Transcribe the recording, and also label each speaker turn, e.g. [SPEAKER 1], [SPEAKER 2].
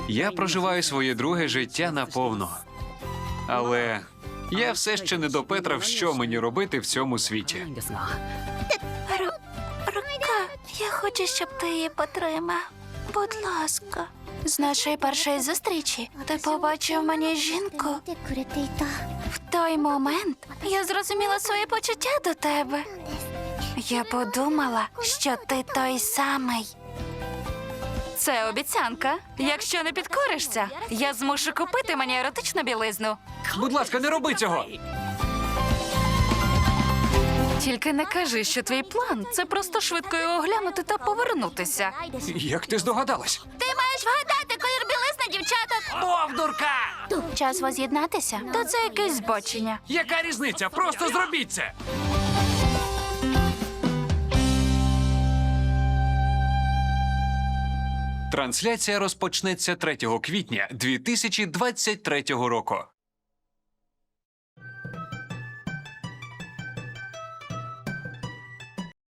[SPEAKER 1] Я проживаю своє друге життя наповно. Але я все ще не допетрав, що мені робити в цьому світі.
[SPEAKER 2] Рука, я хочу, щоб ти її потримав. Будь ласка. З нашої першої зустрічі ти побачив мені жінку. В той момент я зрозуміла свої почуття до тебе. Я подумала, що ти той самий. Це обіцянка. Якщо не підкоришся, я змушу купити мені еротичну білизну.
[SPEAKER 1] Будь ласка, не роби цього!
[SPEAKER 2] Тільки не кажи, що твій план – це просто швидко його оглянути та повернутися.
[SPEAKER 1] Як ти здогадалась?
[SPEAKER 2] Ти маєш вгадати колір білизни, дівчата!
[SPEAKER 1] Бовдурка!
[SPEAKER 2] Час воз'єднатися? То це якесь збочення.
[SPEAKER 1] Яка різниця? Просто зробіть це! Трансляція розпочнеться 3 квітня 2023 року.